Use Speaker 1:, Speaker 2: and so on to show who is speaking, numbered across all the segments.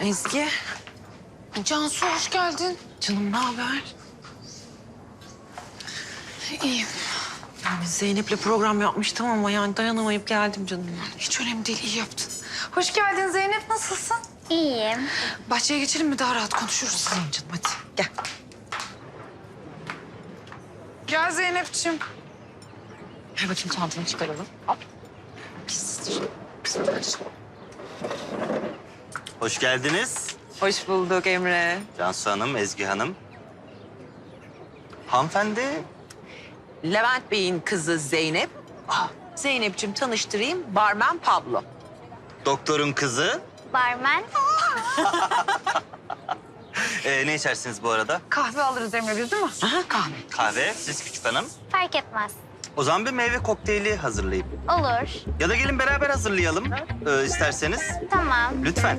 Speaker 1: Ezgi.
Speaker 2: Cansu hoş geldin.
Speaker 1: Canım ne haber?
Speaker 2: İyiyim.
Speaker 1: Yani Zeynep'le program yapmıştım ama yani dayanamayıp geldim canım.
Speaker 2: Hiç önemli değil, iyi yaptın. Hoş geldin Zeynep, nasılsın?
Speaker 3: İyiyim.
Speaker 2: Bahçeye geçelim mi? Daha rahat konuşuruz.
Speaker 1: Tamam canım hadi gel.
Speaker 2: Gel Zeynep'ciğim.
Speaker 1: Ver bakayım çantanı çıkaralım. Hop. Pistir. Pistir.
Speaker 4: Hoş geldiniz.
Speaker 1: Hoş bulduk Emre.
Speaker 4: Cansu Hanım, Ezgi Hanım. Hanımefendi,
Speaker 1: Levent Bey'in kızı Zeynep. Zeynep'ciğim tanıştırayım. Barmen Pablo.
Speaker 4: doktorun kızı.
Speaker 3: Barmen.
Speaker 4: Ne içersiniz bu arada?
Speaker 2: Kahve alırız Emre biz değil mi?
Speaker 1: Aha kahve.
Speaker 4: Kahve, siz küçük hanım.
Speaker 3: Fark etmez.
Speaker 4: O zaman bir meyve kokteyli hazırlayayım.
Speaker 3: Olur.
Speaker 4: Ya da gelin beraber hazırlayalım isterseniz.
Speaker 3: Tamam.
Speaker 4: Lütfen.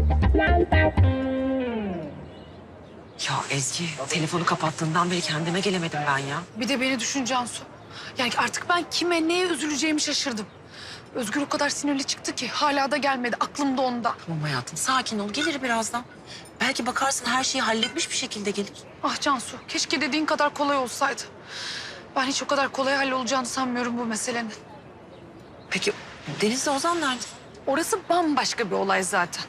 Speaker 1: Ya Ezgi telefonu kapattığından beri kendime gelemedim ben ya.
Speaker 2: Bir de beni düşün Cansu. Yani artık ben kime, neye üzüleceğimi şaşırdım. Özgür o kadar sinirli çıktı ki hala da gelmedi. Aklım da onda.
Speaker 1: Tamam hayatım sakin ol gelir birazdan. Belki bakarsın her şeyi halletmiş bir şekilde gelir.
Speaker 2: Ah Cansu, keşke dediğin kadar kolay olsaydı. Ben hiç o kadar kolay hallolacağını sanmıyorum bu meselenin.
Speaker 1: Peki Deniz'le Ozan nerede?
Speaker 2: Orası bambaşka bir olay zaten.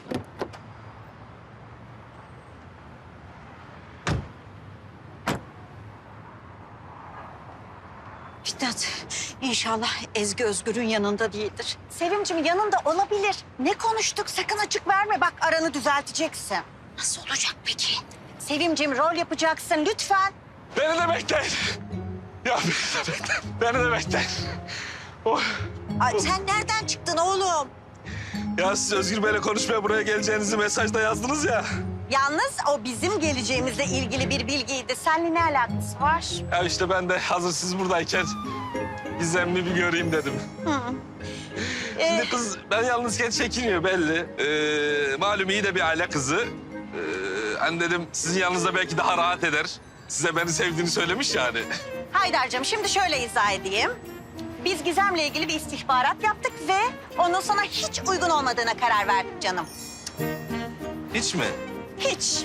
Speaker 5: Fitnat, inşallah Ezgi Özgür'ün yanında değildir. Sevimciğim yanında olabilir. Ne konuştuk? Sakın açık verme. Bak aranı düzelteceksin. Nasıl olacak peki? Sevimciğim rol yapacaksın lütfen.
Speaker 6: Beni de bekleyin. Ya beni de bekleyin. Beni de bekleyin. Oh.
Speaker 5: Ay, sen nereden çıktın oğlum?
Speaker 6: Ya siz Özgür Bey'le konuşmaya buraya geleceğinizi mesajda yazdınız ya.
Speaker 5: Yalnız o bizim geleceğimizle ilgili bir bilgiydi. Seninle ne alakası var?
Speaker 6: Ya işte ben de hazır siz buradayken Gizem'i bir göreyim dedim. Şimdi kız ben yalnızken çekiniyor belli. Malum iyi de bir aile kızı. Hani dedim sizin yanınızda belki daha rahat eder. Size beni sevdiğini söylemiş yani.
Speaker 5: Haydar'cığım şimdi şöyle izah edeyim. Biz Gizem'le ilgili bir istihbarat yaptık ve onun sana hiç uygun olmadığına karar verdik canım.
Speaker 6: Hiç mi?
Speaker 5: Hiç.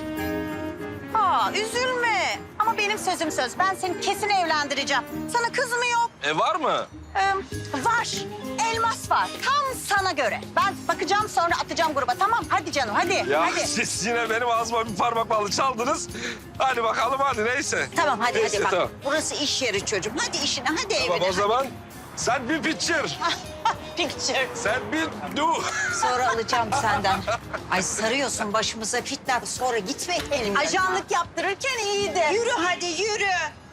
Speaker 5: Üzülme. Ama benim sözüm söz. Ben seni kesin evlendireceğim. Sana kız mı yok?
Speaker 6: Var mı?
Speaker 5: Var. Elmas var. Tam sana göre. Ben bakacağım sonra atacağım gruba. Tamam hadi canım hadi.
Speaker 6: Ya
Speaker 5: Hadi.
Speaker 6: siz yine benim ağzıma bir parmak balı çaldınız. Hadi bakalım hadi neyse.
Speaker 5: Tamam hadi
Speaker 6: Neyse,
Speaker 5: hadi bak.
Speaker 6: tamam.
Speaker 5: Burası iş yeri çocuğum. Hadi işine hadi
Speaker 6: Tamam
Speaker 5: evine.
Speaker 6: o zaman sen bir picture.
Speaker 5: Picture.
Speaker 6: Sen bir do.
Speaker 5: Sonra alacağım senden. Ay sarıyorsun başımıza Fitnat. Sonra gitme elimden. Ajanlık yaptırırken iyiydi. Yürü hadi yürü.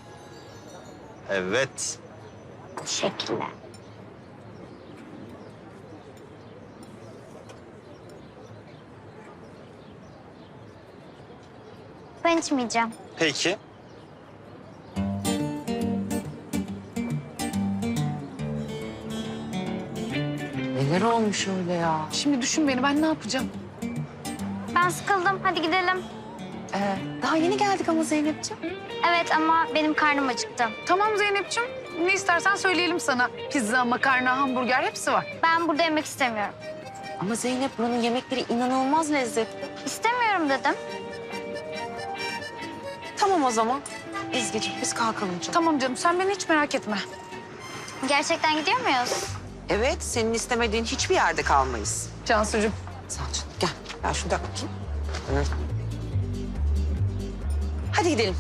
Speaker 4: Evet.
Speaker 3: Teşekkürler. Ben içmeyeceğim.
Speaker 4: Peki.
Speaker 1: Neler olmuş öyle ya?
Speaker 2: Şimdi düşün beni, ben ne yapacağım?
Speaker 3: Ben sıkıldım. Hadi gidelim.
Speaker 1: Daha yeni geldik ama Zeynep'ciğim.
Speaker 3: Evet ama benim karnım acıktı.
Speaker 2: Tamam Zeynep'ciğim, ne istersen söyleyelim sana. Pizza, makarna, hamburger hepsi var.
Speaker 3: Ben burada yemek istemiyorum.
Speaker 1: Ama Zeynep buranın yemekleri inanılmaz lezzetli.
Speaker 3: İstemiyorum dedim.
Speaker 1: Tamam o zaman. Ezgi'ciğim biz kalkalım canım.
Speaker 2: Tamam canım, sen beni hiç merak etme.
Speaker 3: Gerçekten gidiyor muyuz?
Speaker 1: Evet senin istemediğin hiçbir yerde kalmayız.
Speaker 2: Cansucuğum.
Speaker 1: Sağ ol canım. Gel. Ben şurada bakayım. Hı. Hadi gidelim.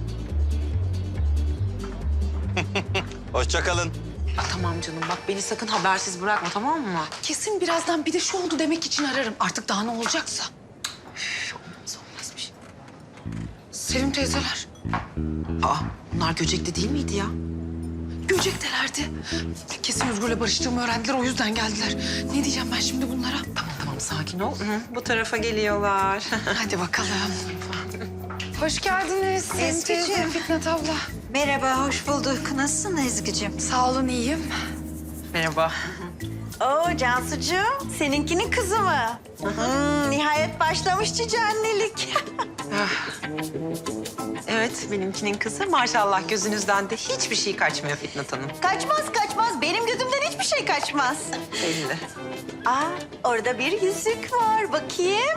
Speaker 4: Hoşça kalın.
Speaker 1: Tamam canım bak beni sakın habersiz bırakma tamam mı?
Speaker 2: Kesin birazdan bir de şu oldu demek için ararım. Artık daha ne olacaksa.
Speaker 1: Olmaz bir şey.
Speaker 2: Sevim teyzeler.
Speaker 1: Bunlar Göcek'te değil miydi ya?
Speaker 2: Göcektelerdi. Kesin Özgür'le barıştığımı öğrendiler, o yüzden geldiler. Ne diyeceğim ben şimdi bunlara?
Speaker 1: Tamam sakin ol. Bu tarafa geliyorlar.
Speaker 2: Hadi bakalım. Hoş geldiniz Sevim teyze,
Speaker 5: Ezgi'ciğim.
Speaker 2: Fitnat abla.
Speaker 5: Merhaba hoş bulduk. Nasılsın Ezgi'cim?
Speaker 2: Sağ olun, iyiyim.
Speaker 1: Merhaba.
Speaker 5: Oo Cansucuğum, seninkinin kızı mı? Nihayet başlamış cici annelik.
Speaker 1: Evet, benimkinin kızı maşallah gözünüzden de hiçbir şey kaçmıyor Fitnat Hanım.
Speaker 5: Kaçmaz kaçmaz. Benim gözümden hiçbir şey kaçmaz.
Speaker 1: Belli.
Speaker 5: Aa, orada bir yüzük var. Bakayım.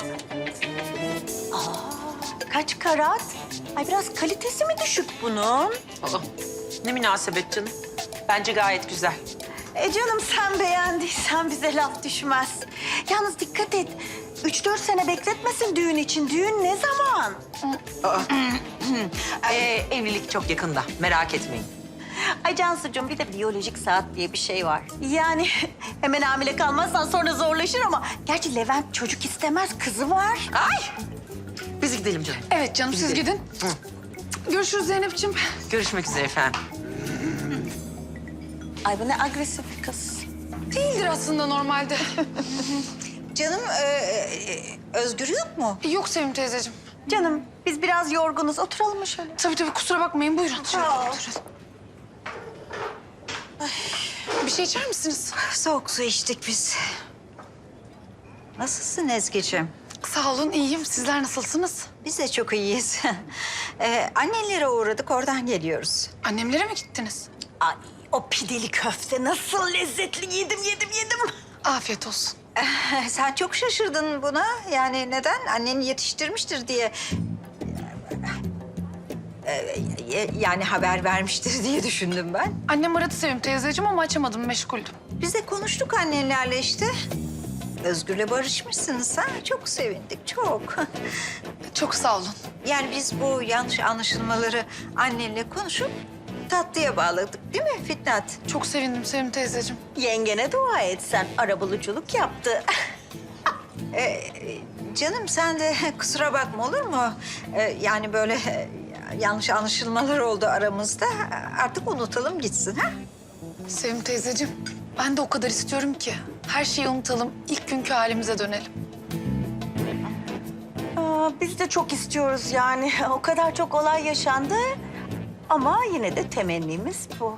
Speaker 5: Kaç karat? Ay biraz kalitesi mi düşük bunun?
Speaker 1: Aa, ne münasebet canım. Bence gayet güzel.
Speaker 5: Canım sen beğendiysen bize laf düşmez. Yalnız dikkat et. 3-4 sene bekletmesin düğün için. Düğün ne zaman?
Speaker 1: Evlilik çok yakında, merak etmeyin.
Speaker 5: Ay Cansucuğum bir de biyolojik saat diye bir şey var. Yani hemen hamile kalmazsan sonra zorlaşır ama... Gerçi Levent çocuk istemez, kızı var.
Speaker 1: Ay! Biz gidelim canım.
Speaker 2: Evet canım siz gidin. Görüşürüz Zeynep'ciğim.
Speaker 1: Görüşmek üzere efendim.
Speaker 5: Ay bu ne agresif bir kız.
Speaker 2: Değildir aslında normalde.
Speaker 5: Canım Özgür yok mu?
Speaker 2: Yok Sevim teyzeciğim.
Speaker 5: Canım biz biraz yorgunuz. Oturalım mı şöyle?
Speaker 2: Tabii kusura bakmayın buyurun. Şöyle
Speaker 5: Sağ ol.
Speaker 2: oturun. Bir şey içer misiniz?
Speaker 5: Soğuk su içtik biz. Nasılsın Ezgi'ciğim?
Speaker 2: Sağ olun iyiyim. Sizler nasılsınız?
Speaker 5: Biz de çok iyiyiz. Annelere uğradık, oradan geliyoruz.
Speaker 2: Annemlere mi gittiniz?
Speaker 5: Ay, o pideli köfte nasıl lezzetli. Yedim.
Speaker 2: Afiyet olsun.
Speaker 5: Sen çok şaşırdın buna. Yani neden? Annen yetiştirmiştir diye. Yani haber vermiştir diye düşündüm ben.
Speaker 2: Annem aradı Sevim teyzeciğim ama açamadım meşguldüm.
Speaker 5: Biz de konuştuk annenlerle işte. Özgür'le barışmışsınız ha. Çok sevindik, çok.
Speaker 2: Çok sağ olun.
Speaker 5: Yani biz bu yanlış anlaşılmaları annenle konuşup tatlıya bağladık değil mi Fitnat?
Speaker 2: Çok sevindim Sevim teyzeciğim.
Speaker 5: Yengene dua et sen. Arabuluculuk yaptı. Canım sen de kusura bakma olur mu? Yani böyle yanlış anlaşılmalar oldu aramızda. Artık unutalım gitsin ha?
Speaker 2: Sevim teyzeciğim ben de o kadar istiyorum ki. Her şeyi unutalım. İlk günkü halimize dönelim.
Speaker 5: Biz de çok istiyoruz yani. O kadar çok olay yaşandı. Ama yine de temennimiz bu.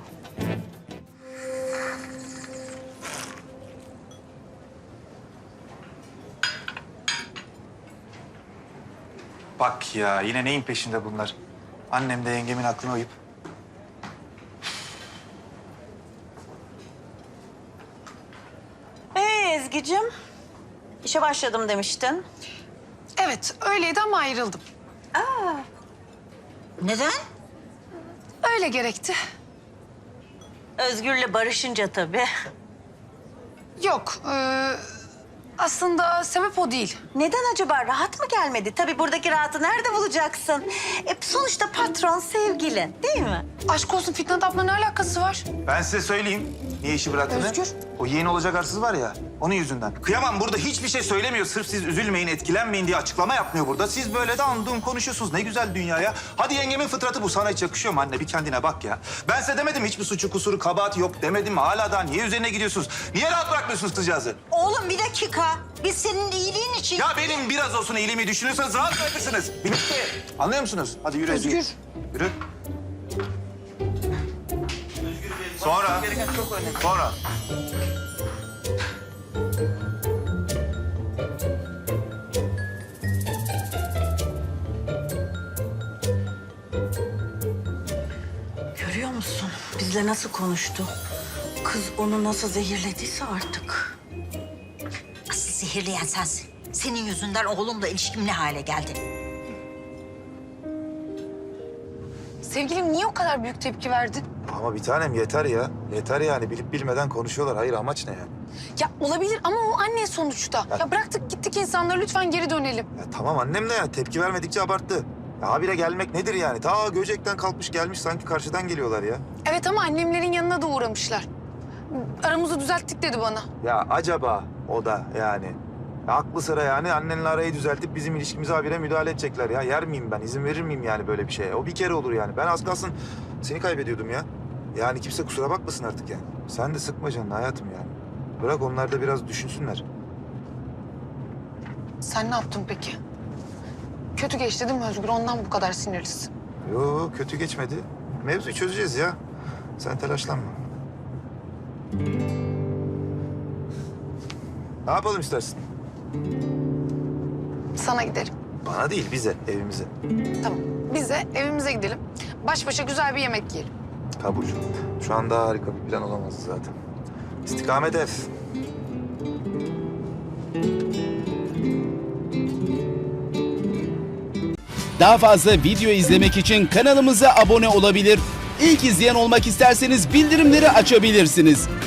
Speaker 7: Bak ya yine neyin peşinde bunlar? Annem de yengemin aklına uyup.
Speaker 5: Ezgi'cim, işe başladım demiştin.
Speaker 2: Evet öyleydi ama ayrıldım.
Speaker 5: Neden?
Speaker 2: Öyle gerekti.
Speaker 5: Özgür'le barışınca tabii.
Speaker 2: Yok aslında sebep o değil.
Speaker 5: Neden acaba? Rahat mı gelmedi? Tabii buradaki rahatı nerede bulacaksın? Sonuçta patron sevgilin değil mi?
Speaker 2: Aşk olsun Fitnat abla ne alakası var?
Speaker 7: Ben size söyleyeyim niye işi bıraktığını.
Speaker 2: Özgür.
Speaker 7: O yeğeni olacak arsız var ya onun yüzünden. Kıyamam burada hiçbir şey söylemiyor. Sırf siz üzülmeyin, etkilenmeyin diye açıklama yapmıyor burada. Siz böyle de andığım konuşuyorsunuz. Ne güzel dünya ya. Hadi yengemin fıtratı bu. Sana hiç yakışıyor mu anne? Bir kendine bak ya. Ben size demedim hiçbir suçu, kusuru, kabahati yok demedim mi? Hala daha niye üzerine gidiyorsunuz? Niye rahat bırakmıyorsunuz kızcağızı?
Speaker 5: Oğlum bir dakika. Biz senin iyiliğin için...
Speaker 7: Ya benim biraz olsun iyiliğimi düşünüyorsanız rahat bırakırsınız. Bitti. Anlıyor musunuz? Hadi yürü Ezgi.
Speaker 2: Özgür.
Speaker 7: Yürü. Sonra. Sonra.
Speaker 5: Görüyor musun? Bizle nasıl konuştu? Kız onu nasıl zehirlediyse artık. Asıl zehirleyen sensin. Senin yüzünden oğlumla ilişkim ne hale geldi?
Speaker 2: Sevgilim niye o kadar büyük tepki verdin?
Speaker 7: Ama bir tanem yeter ya. Yeter yani bilip bilmeden konuşuyorlar. Hayır amaç ne yani?
Speaker 2: Ya olabilir ama o anne sonuçta. Ya bıraktık gittik insanları lütfen geri dönelim.
Speaker 7: Ya tamam annem de ya tepki vermedikçe abarttı. Ya habire gelmek nedir yani? Ta Göcek'ten kalkmış gelmiş sanki karşıdan geliyorlar ya.
Speaker 2: Evet ama annemlerin yanına da uğramışlar. Aramızı düzelttik dedi bana.
Speaker 7: Ya acaba o da yani. Ya aklı sıra yani annenle arayı düzeltip bizim ilişkimize habire müdahale edecekler ya. Yer miyim ben? İzin verir miyim yani böyle bir şeye? O bir kere olur yani. Ben az kalsın seni kaybediyordum ya. Yani kimse kusura bakmasın artık yani. Sen de sıkma canını hayatım yani. Bırak onlar da biraz düşünsünler.
Speaker 2: Sen ne yaptın peki? Kötü geçti değil mi Özgür? Ondan bu kadar sinirlisin.
Speaker 7: Yo kötü geçmedi. Mevzuyu çözeceğiz ya. Sen telaşlanma. Ne yapalım istersin?
Speaker 2: Sana gidelim.
Speaker 7: Bana değil, bize, evimize.
Speaker 2: Tamam. Biz de evimize gidelim. Baş başa güzel bir yemek yiyelim.
Speaker 7: Kabul. Şu anda harika bir plan olamazdı zaten. İstikamet ev.
Speaker 8: Daha fazla video izlemek için kanalımıza abone olabilir. İlk izleyen olmak isterseniz bildirimleri açabilirsiniz.